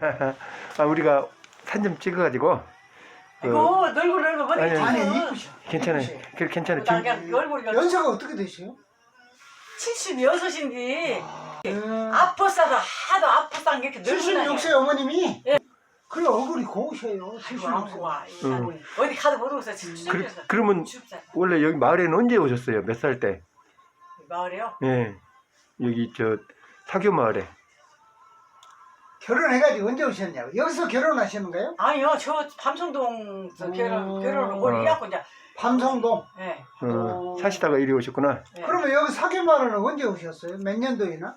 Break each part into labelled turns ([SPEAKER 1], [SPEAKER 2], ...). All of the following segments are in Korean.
[SPEAKER 1] 아, 우리가 사진 좀 찍어가지고.
[SPEAKER 2] 이거 늙고
[SPEAKER 1] 아니,
[SPEAKER 2] 머리
[SPEAKER 1] 아니,
[SPEAKER 3] 이쁘셔.
[SPEAKER 1] 괜찮아요.
[SPEAKER 3] 이쁘셔.
[SPEAKER 1] 괜찮아요.
[SPEAKER 2] 나 그냥 얼굴이
[SPEAKER 3] 연세가 어떻게 되세요?
[SPEAKER 2] 76인데
[SPEAKER 3] 아,
[SPEAKER 2] 아팠어도 하도 아팠던 게 이렇게
[SPEAKER 3] 76세 어머님이?
[SPEAKER 2] 예.
[SPEAKER 3] 그래 얼굴이 고우셔요.
[SPEAKER 2] 아이고 안
[SPEAKER 3] 76세.
[SPEAKER 2] 좋아.
[SPEAKER 1] 응.
[SPEAKER 2] 어디 가도 못 오겠어. 추적해서.
[SPEAKER 1] 그러면 원래 여기 마을에는 언제 오셨어요? 몇 살 때?
[SPEAKER 2] 마을에요?
[SPEAKER 1] 예. 여기 저 사교 마을에.
[SPEAKER 3] 결혼해가지고 언제 오셨냐고. 여기서 결혼하시는가요?
[SPEAKER 2] 아니요, 저 밤성동에서 결혼을 오래 해갖고 이제
[SPEAKER 3] 밤성동.
[SPEAKER 2] 예.
[SPEAKER 1] 사시다가 이리 오셨구나.
[SPEAKER 2] 예.
[SPEAKER 3] 그러면 여기 사계마을은 언제 오셨어요? 몇 년도이나?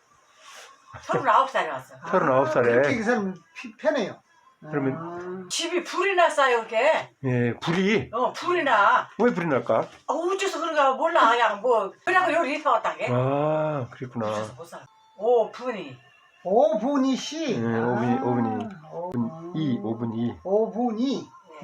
[SPEAKER 2] 39살에 왔어.
[SPEAKER 1] 39살에.
[SPEAKER 3] 그렇게 그 사람 편해요.
[SPEAKER 1] 그러면-
[SPEAKER 2] 집이 불이 났어요, 이렇게.
[SPEAKER 1] 예, 불이.
[SPEAKER 2] 불이 나.
[SPEAKER 1] 왜 불이 날까?
[SPEAKER 2] 어째서 그런가 몰라. 그냥 뭐. 그래갖고 여기 이사 왔다, 게.
[SPEAKER 1] 아, 그랬구나.
[SPEAKER 2] 어째서 못 살아. 오, 분이.
[SPEAKER 3] 오분이 씨.
[SPEAKER 1] 예, 오분이.
[SPEAKER 3] 오분이.
[SPEAKER 1] 5분 2.
[SPEAKER 3] 오분이.
[SPEAKER 2] 예.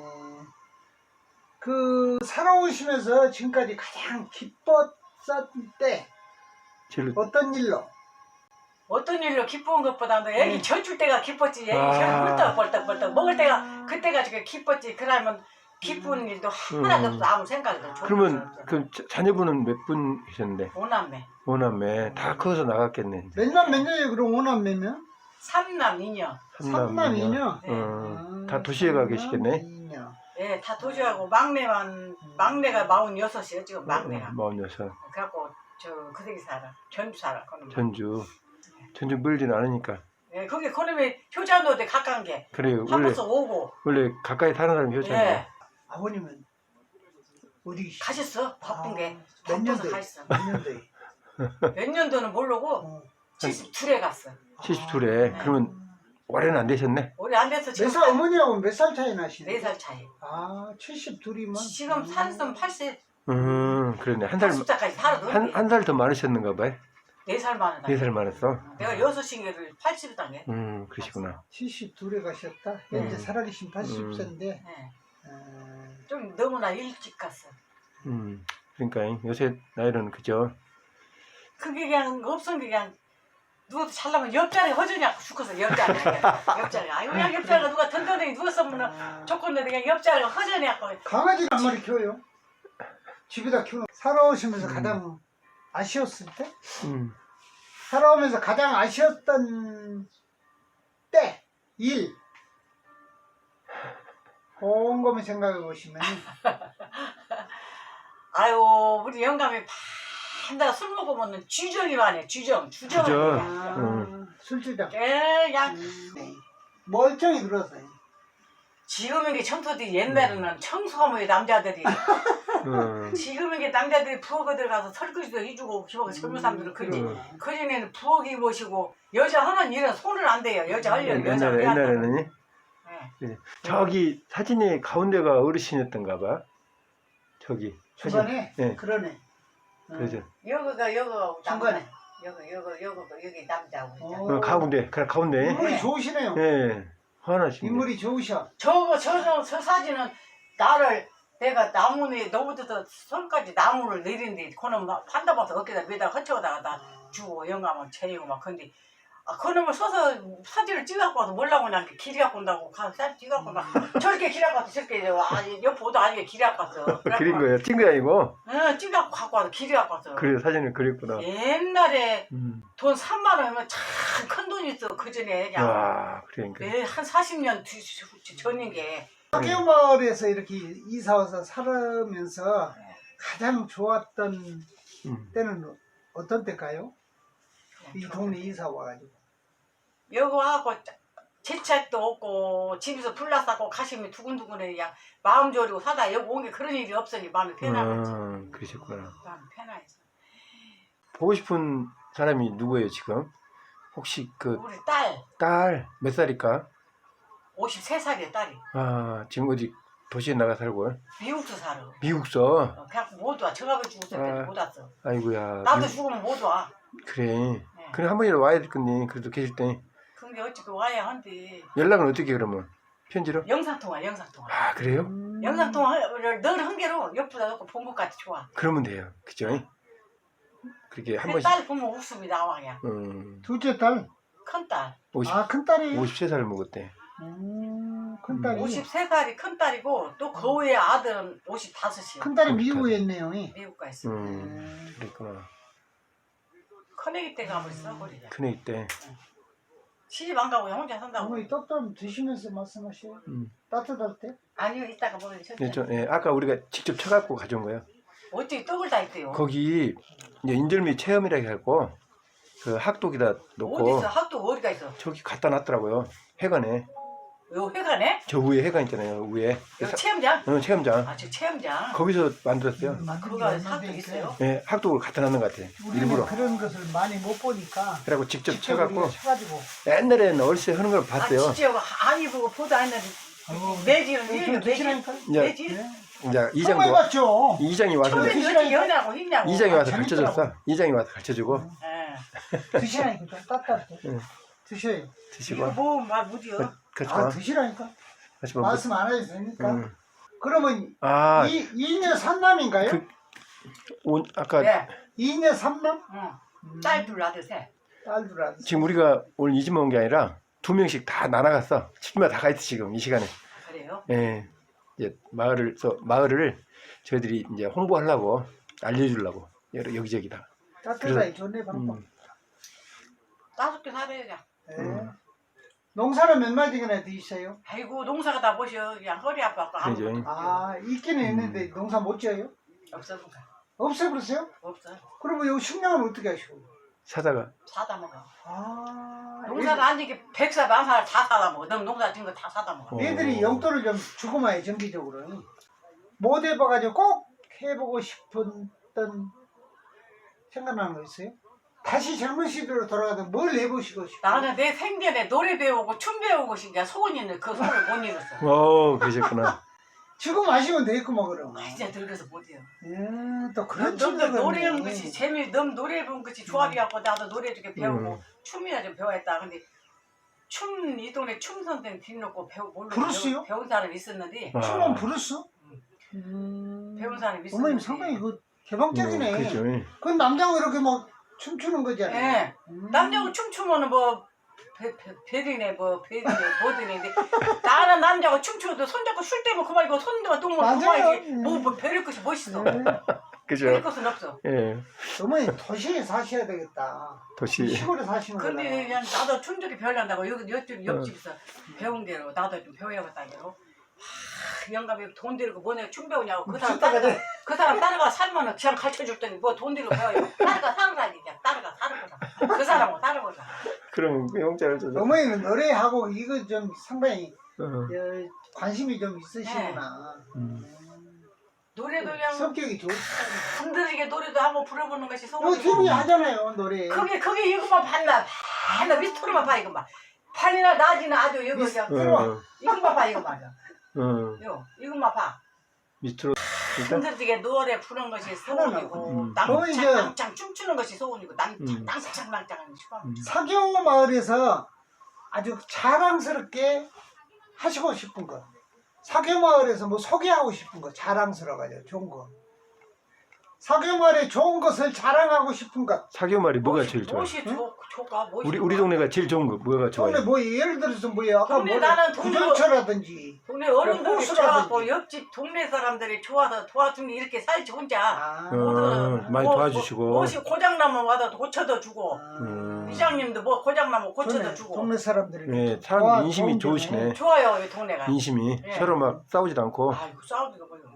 [SPEAKER 3] 그 살아오시면서 지금까지 가장 기뻤을 때
[SPEAKER 1] 제일
[SPEAKER 3] 어떤 일로?
[SPEAKER 2] 어떤 일로 기쁜 것보다도 애기 젖줄 때가 기뻤지. 애기
[SPEAKER 1] 아.
[SPEAKER 2] 벌떡벌떡 먹을 때가 그때가 지금 기뻤지. 그러면 기쁜 일도 하나도 없어. 아무 생각도 없어.
[SPEAKER 1] 그러면 그 자녀분은 몇 분 계셨는데?
[SPEAKER 2] 오남매.
[SPEAKER 1] 오남매 다 커서 나갔겠네.
[SPEAKER 3] 몇남 몇 년이에요? 그럼 오남매면?
[SPEAKER 2] 삼남 이녀.
[SPEAKER 3] 삼남 이녀.
[SPEAKER 1] 다 도시에 가 계시겠네.
[SPEAKER 3] 이녀.
[SPEAKER 2] 예, 다 도주하고 막내가 46이에요. 지금 막내가.
[SPEAKER 1] 46.
[SPEAKER 2] 그래갖고 저 그대기 살아. 전주 살아. 그놈은.
[SPEAKER 1] 전주 멀지는 않으니까.
[SPEAKER 2] 예, 거기 그놈이 효자노대 가까운 게.
[SPEAKER 1] 그래요.
[SPEAKER 2] 한 번씩 오고.
[SPEAKER 1] 원래 가까이 사는 사람이 효자인데.
[SPEAKER 2] 예.
[SPEAKER 3] 아버님은 어디
[SPEAKER 2] 가셨어. 바쁜 게.
[SPEAKER 3] 몇
[SPEAKER 2] 바빠서
[SPEAKER 3] 년도에?
[SPEAKER 2] 가셨어.
[SPEAKER 3] 몇 년도에?
[SPEAKER 2] 몇 년도는 모르고
[SPEAKER 3] 어.
[SPEAKER 2] 72에 갔어.
[SPEAKER 1] 72에. 그러면 올해는 안 되셨네.
[SPEAKER 2] 우리 안 돼서 지금
[SPEAKER 3] 몇 살 어머니하고 몇 살 차이 나시나요?
[SPEAKER 2] 4살 차이.
[SPEAKER 3] 아, 72이면
[SPEAKER 2] 지금 산성 80,
[SPEAKER 1] 그러네. 한 살,
[SPEAKER 2] 80살까지 살아도
[SPEAKER 1] 한 살 더 많으셨는가 봐요.
[SPEAKER 2] 4살 많은
[SPEAKER 1] 4살 많았어.
[SPEAKER 2] 내가 6신기를 80당해.
[SPEAKER 1] 그러시구나.
[SPEAKER 3] 72에 가셨다. 현재 살아계신 80세인데
[SPEAKER 2] 네. 좀 너무나 일찍 갔어.
[SPEAKER 1] 그러니까 요새 나이는 그죠.
[SPEAKER 2] 그게 그냥 없은 게 그냥 누워도 잘나면 옆자리 허전히 죽어서 옆자리. 아이고 그냥 옆자리가 누가 든든하게 누웠으면 좋건데 그냥 옆자리가 허전히 하고.
[SPEAKER 3] 강아지를 한 마리 키워요. 집에다 키우는 살아오시면서 가장 아쉬웠을 때? 살아오면서 가장 아쉬웠던 때, 일. 곰곰이 생각해 보시면
[SPEAKER 2] 아유 우리 영감이 반다가 술 먹으면 쥐정이 많네. 주정.
[SPEAKER 3] 술주정.
[SPEAKER 2] 그냥
[SPEAKER 3] 멀쩡히 들었어요.
[SPEAKER 2] 지금은 게 청소들이 옛날에는 청소하면 남자들이 지금은 게 남자들이 부엌에 들어가서 설거지도 해주고 젊은 사람들은 그지. 그전에는 부엌이 모시고 여자 하는 일은 손을 안 대요. 여자 하려면 여자
[SPEAKER 1] 옛날에는 저기 사진이 가운데가 어르신이었던가 봐. 저기
[SPEAKER 3] 중간에
[SPEAKER 1] 네.
[SPEAKER 3] 그러네.
[SPEAKER 1] 그죠.
[SPEAKER 2] 여기가
[SPEAKER 3] 중간에.
[SPEAKER 2] 여기 남자고 있잖아.
[SPEAKER 1] 가운데
[SPEAKER 3] 인물이
[SPEAKER 2] 네.
[SPEAKER 3] 좋으시네요.
[SPEAKER 1] 예. 화나시네.
[SPEAKER 3] 인물이 좋으셔.
[SPEAKER 2] 저 사진은 나를 내가 나무에 너부터 손까지 나무를 내린데 그놈 판다봐서 어깨다 매다 허쳐다가 나 주고 영감을 재이고 막 근데 그놈을 써서 사진을 찍어갖고 와서 몰라고 난 길이 갖고 온다고 사진 찍어갖고 막 저렇게 길이 갖고 와서 저렇게 옆보도 아니게 길이 갖고 왔어.
[SPEAKER 1] 그린 거예요. 찍은 게 아니고.
[SPEAKER 2] 응, 찍어갖고 갖고 와서 길이 갖고 왔어.
[SPEAKER 1] 그래 사진을 그렸구나.
[SPEAKER 2] 옛날에 돈 3만 원이면 참 큰 돈이 있어. 그전에 그냥
[SPEAKER 1] 와, 그러니까.
[SPEAKER 2] 한 40년 전인 게.
[SPEAKER 3] 사계마을에서 이렇게 이사와서 살으면서 가장 좋았던 때는 어떤 때일까요? 이 동네 이사 와가지고.
[SPEAKER 2] 여기 와갖고 재채도 없고 집에서 불나 싸고 가시면 두근두근해 그냥 마음 졸이고 사다 여기 온 게 그런 일이 없으니 마음이 편안하지.
[SPEAKER 1] 그러셨구나.
[SPEAKER 2] 마음이 편안해서.
[SPEAKER 1] 보고 싶은 사람이 누구예요 지금? 혹시 그
[SPEAKER 2] 우리 딸
[SPEAKER 1] 딸 몇 살일까?
[SPEAKER 2] 53살이야 딸이.
[SPEAKER 1] 지금 어디 도시에 나가 살고?
[SPEAKER 2] 미국도 살아.
[SPEAKER 1] 미국서.
[SPEAKER 2] 그냥 못 와. 저가 죽었을 때 못 왔어.
[SPEAKER 1] 아이고야.
[SPEAKER 2] 나도 죽으면 못 와.
[SPEAKER 1] 그래.
[SPEAKER 2] 네.
[SPEAKER 1] 그래 한 번이라도 와야 될 건데 그래도 계실 때
[SPEAKER 2] 그게 어찌 와야 한데.
[SPEAKER 1] 연락은 어떻게 그러면? 편지로?
[SPEAKER 2] 영상통화.
[SPEAKER 1] 그래요?
[SPEAKER 2] 영상통화를 늘 한 개로 옆에다 놓고 본 것 같아 좋아.
[SPEAKER 1] 그러면 돼요. 그죠? 그렇게 한
[SPEAKER 2] 그
[SPEAKER 1] 번씩.
[SPEAKER 2] 딸 보면 웃음이 나와 그냥.
[SPEAKER 3] 둘째 딸.
[SPEAKER 2] 큰딸.
[SPEAKER 1] 50,
[SPEAKER 3] 아, 큰딸이?
[SPEAKER 1] 53살 먹었대.
[SPEAKER 3] 큰딸이.
[SPEAKER 2] 53살이 큰딸이고 또 그 위에 아들은 55이요.
[SPEAKER 3] 큰딸이 미국에 있네요.
[SPEAKER 2] 미국 가 있어.
[SPEAKER 1] 그랬구나.
[SPEAKER 2] 큰애기 때 가버렸어 거기.
[SPEAKER 1] 큰애기 때.
[SPEAKER 2] 시집 안 가고 혼자 산다고.
[SPEAKER 3] 어머니 떡 좀 드시면서 말씀하세요. 따뜻할 때?
[SPEAKER 2] 아니요 이따가 먹으면
[SPEAKER 1] 네, 아까 우리가 직접 쳐갖고 가져온 거예요.
[SPEAKER 2] 어떻게 떡을 다 있대요.
[SPEAKER 1] 거기 이제 인절미 체험이라 해갖고 그 학독에다 놓고
[SPEAKER 2] 어디 있어? 학도 어디가 있어?
[SPEAKER 1] 저기 갖다 놨더라고요. 회관에.
[SPEAKER 2] 요 회관에?
[SPEAKER 1] 저 위에 회관 있잖아요. 위에.
[SPEAKER 2] 요 체험장?
[SPEAKER 1] 체험장.
[SPEAKER 2] 아 저 체험장.
[SPEAKER 1] 거기서 만들었어요.
[SPEAKER 2] 아 그거가 학도 있어요?
[SPEAKER 1] 네, 학독을 갖다 놨는 것 같아.
[SPEAKER 3] 우리는
[SPEAKER 1] 일부러.
[SPEAKER 3] 그런 것을 많이 못 보니까
[SPEAKER 1] 그래갖고 직접
[SPEAKER 3] 우리가
[SPEAKER 1] 쳐갖고
[SPEAKER 3] 쳐가지고
[SPEAKER 1] 옛날에는 어렸을 때 하는 걸 봤어요.
[SPEAKER 2] 아 진짜 아니 보고 보도 안 했는데 매지는 이게 매지?
[SPEAKER 3] 드시라니까.
[SPEAKER 2] 매지?
[SPEAKER 3] 네.
[SPEAKER 1] 이제
[SPEAKER 3] 처음
[SPEAKER 1] 이장도
[SPEAKER 3] 해봤죠.
[SPEAKER 1] 이장이 와서
[SPEAKER 2] 처음에
[SPEAKER 1] 이제
[SPEAKER 2] 어떻게 연하고 힘냐고.
[SPEAKER 1] 이장이 와서
[SPEAKER 3] 재밌더라고.
[SPEAKER 1] 가르쳐줬어. 이장이 와서 가르쳐주고
[SPEAKER 2] 예.
[SPEAKER 3] 드시라니까. 좀 따뜻할 때.
[SPEAKER 1] 응.
[SPEAKER 3] 드셔요.
[SPEAKER 2] 이거
[SPEAKER 1] 드시고
[SPEAKER 2] 뭐말 못이요?
[SPEAKER 1] 그렇죠.
[SPEAKER 3] 아, 드시라니까.
[SPEAKER 1] 하시면
[SPEAKER 3] 말씀 안 해도 되니까.
[SPEAKER 1] 음.
[SPEAKER 3] 그러면
[SPEAKER 1] 아,
[SPEAKER 3] 이녀 삼남인가요?
[SPEAKER 1] 그- 아까
[SPEAKER 2] 네.
[SPEAKER 3] 이녀 삼남?
[SPEAKER 2] 응. 딸 둘 아들 셋.
[SPEAKER 3] 딸들 아들.
[SPEAKER 1] 지금 우리가 오늘 이 집 온 게 아니라 2명씩 다 나눠갔어. 집마다 다 가있어 지금 이 시간에.
[SPEAKER 2] 그래요?
[SPEAKER 1] 예. 이제 마을을 저희들이 이제 홍보하려고 알려주려고 여기저기다.
[SPEAKER 3] 따뜻하게 좋네 방법.
[SPEAKER 2] 5개 살아야죠.
[SPEAKER 3] 네. 농사는 몇 마디나 드셨어요?
[SPEAKER 2] 아이고 농사가 다 보셔. 그냥 허리 아파갖고 아무
[SPEAKER 1] 그죠.
[SPEAKER 3] 아 있기는 있는데 농사 못 지어요?
[SPEAKER 2] 없어 농사.
[SPEAKER 3] 없애버렸어요?
[SPEAKER 2] 없어.
[SPEAKER 3] 그러면 요 식량은 어떻게 하시고?
[SPEAKER 1] 사다가
[SPEAKER 2] 사다 먹어.
[SPEAKER 3] 아
[SPEAKER 2] 농사도 안 지게 100살 만살 다 사다 먹어. 너 농사 진 거 다 사다 먹어.
[SPEAKER 3] 애들이 용돈을 좀 주고 마요 정기적으로. 못 해봐가지고 꼭 해보고 싶었던 생각나는 거 있어요? 다시 젊은 시대로 돌아가도 뭘 해보시고 싶어요?
[SPEAKER 2] 나는 내 생전에 노래 배우고 춤 배우고 싶냐 소원이는 그 소원을 못 이뤘어.
[SPEAKER 1] 그러셨구나.
[SPEAKER 3] 지금 아시면 되겠구만 그럼.
[SPEAKER 2] 아, 진짜 늙어서 못해요.
[SPEAKER 3] 또 그런
[SPEAKER 2] 넌
[SPEAKER 3] 친구가
[SPEAKER 2] 노래하는
[SPEAKER 3] 있네.
[SPEAKER 2] 것이 넌 노래 배운 것이 조합이갖고 나도 노래 좀 배우고 춤이나 좀 배워야겠다. 근데 이 동네 춤 선생 뒤놓고 몰라
[SPEAKER 3] 부르시요?
[SPEAKER 2] 배운 사람이 있었는데
[SPEAKER 1] 아.
[SPEAKER 3] 춤은 부르어?
[SPEAKER 2] 배운 사람이 있었는데.
[SPEAKER 3] 어머님 상당히 그 개방적이네.
[SPEAKER 1] 그죠.
[SPEAKER 3] 그건 남자가 이렇게 막 춤추는 거잖아요.
[SPEAKER 2] 예. 남자고 춤추면은 뭐 별이네 뭐든지 나는 남자가 춤추어도 손잡고 술 때문에 그만이고 손만 똥만
[SPEAKER 3] 맞아요.
[SPEAKER 2] 그만이지 뭐 별일 것이 멋있어.
[SPEAKER 3] 네.
[SPEAKER 1] 그죠.
[SPEAKER 2] 별일 것은 없어.
[SPEAKER 1] 예.
[SPEAKER 3] 어머니 도시에 사셔야 되겠다.
[SPEAKER 1] 도시.
[SPEAKER 3] 시골에 사시는 거라.
[SPEAKER 2] 근데 그냥 나도 춤들이 배우려고 옆집에서 배운 대로 나도 좀 배워야겠다 대로. 영감이 돈 들고 뭐냐 춤 배우냐고 그 사람 따라가 살면은 그냥 가르쳐줬더니 뭐 돈 들고 배워요. 따라가 살으라니 그냥 따라가 사는 거다. 그 사람하고 따라보자.
[SPEAKER 1] 그럼 그 영자를 줘서.
[SPEAKER 3] 어머니는 노래하고 이거 좀 상당히
[SPEAKER 1] 어.
[SPEAKER 3] 관심이 좀 있으시구나.
[SPEAKER 2] 노래도 그냥
[SPEAKER 3] 성격이 좋다.
[SPEAKER 2] 흔들리게 노래도 한번 불러보는 것이
[SPEAKER 3] 이거
[SPEAKER 2] 소원이고.
[SPEAKER 3] TV 하잖아요 노래.
[SPEAKER 2] 그게 이것만 봤나 미스터로만 봐 이것만. 판이나 낮이나 아주 이거 그냥 이것만 봐 이거 맞아. 이것만 봐.
[SPEAKER 1] 밑으로 일단
[SPEAKER 2] 흔들리게 노래 부르는 것이 소원이고
[SPEAKER 3] 거의 이제-
[SPEAKER 2] 낭창 춤추는 것이 소원이고 낭창
[SPEAKER 3] 사교 마을에서 아주 자랑스럽게 하시고 싶은 거. 사교 마을에서 뭐 소개하고 싶은 거 자랑스러워가지고 좋은 거. 사교 마을에 좋은 것을 자랑하고 싶은 것.
[SPEAKER 1] 사교 말이 뭐가 제일 좋아?
[SPEAKER 2] 무엇이 좋까
[SPEAKER 1] 우리 동네가 제일 좋은 거 뭐가 좋아요?
[SPEAKER 3] 동네 뭐 예를 들어서 뭐야 아까
[SPEAKER 2] 동네
[SPEAKER 3] 뭐
[SPEAKER 2] 나는 동네-
[SPEAKER 3] 구전처라든지
[SPEAKER 2] 동네 어른들이
[SPEAKER 3] 호수라든지.
[SPEAKER 2] 좋아하고 옆집 동네 사람들이 좋아서 도와주니 이렇게 살지 혼자
[SPEAKER 1] 많이 도와주시고.
[SPEAKER 2] 무엇이 고장나면 와서 고쳐다 주고
[SPEAKER 3] 아,
[SPEAKER 2] 이장님도 뭐 고장나면 고쳐다 주고
[SPEAKER 3] 동네 사람들이
[SPEAKER 1] 네, 사람 인심이 좋으시네.
[SPEAKER 2] 좋아요 이 동네가.
[SPEAKER 1] 인심이
[SPEAKER 2] 예.
[SPEAKER 1] 서로 막 싸우지도 않고.
[SPEAKER 2] 아이고 싸우기가 뭐요.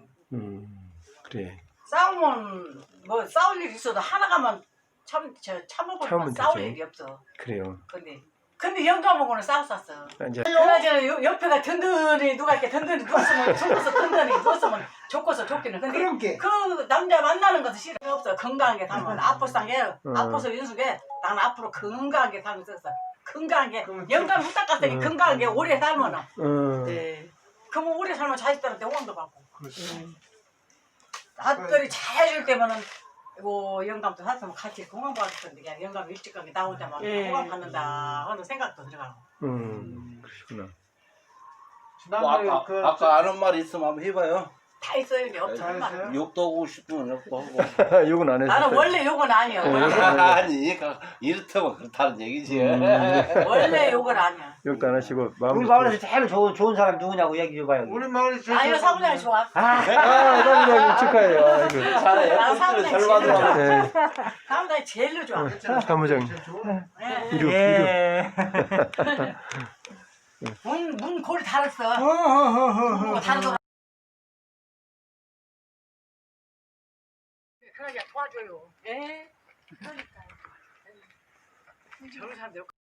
[SPEAKER 1] 그래.
[SPEAKER 2] 싸우면 뭐 싸울 일 있어도 하나가만 참아보면
[SPEAKER 1] 참으면
[SPEAKER 2] 싸울
[SPEAKER 1] 되죠.
[SPEAKER 2] 일이 없어.
[SPEAKER 1] 그래요.
[SPEAKER 2] 근데 영감하고는 싸웠었어.
[SPEAKER 1] 이제
[SPEAKER 2] 그나저나 옆에가 든든히 누가 이렇게 든든히 누웠으면 좋고서 든든히 누웠으면 좋고서 좋기는. 근데
[SPEAKER 3] 그런 게
[SPEAKER 2] 그 남자 만나는 것은 싫어 없어. 건강하게 살면 아프상해 아파서 윤숙해. 나는 앞으로 건강하게 살면 썼어. 건강하게 영감 후딱 갔더니 건강하게 오래 살면은. 네. 그러면 오래 살면 자식들한테 호응도 받고. 아들이 잘 해줄 때면은 이거 영감도 샀으면 같이 공항 받을 텐데 그냥 영감 일찍 가게 나 혼자 막 공항 받는다 하는 생각도 들어가고.
[SPEAKER 1] 그러시구나.
[SPEAKER 4] 뭐 아까 아는 말 있으면 한번 해봐요.
[SPEAKER 2] 다 있어요. 이제 없지만.
[SPEAKER 4] 욕도 하고 싶으면 욕도 하고.
[SPEAKER 1] 욕은 안 했어요.
[SPEAKER 2] 나는 원래 욕은 아니야.
[SPEAKER 4] 아니, 이렇다면 그렇다는 얘기지.
[SPEAKER 2] 원래 욕은 아니야.
[SPEAKER 1] 욕도 안 하시고 마음.
[SPEAKER 5] 우리 마을에서 제일 좋은 사람 누구냐고 얘기 좀 봐요.
[SPEAKER 6] 우리 마을에 제일
[SPEAKER 2] 아니요, 사무장이 좋아.
[SPEAKER 1] 사무장님 축하해요. 아이고.
[SPEAKER 4] 잘해.
[SPEAKER 2] 나
[SPEAKER 4] 꼴찌를
[SPEAKER 2] 사무장이
[SPEAKER 4] 절
[SPEAKER 2] 제일
[SPEAKER 4] 받으라고.
[SPEAKER 2] 좋아.
[SPEAKER 1] 네.
[SPEAKER 2] 사무장이 제일 좋아.
[SPEAKER 1] 사무장님.
[SPEAKER 6] 제일 좋아.
[SPEAKER 2] 네.
[SPEAKER 1] 이륙.
[SPEAKER 5] 예.
[SPEAKER 2] 문 골 달았어.
[SPEAKER 3] 어허허허허.
[SPEAKER 2] 달아서. 그러니까 도와줘요. 예. 그러니까. 저런 사람들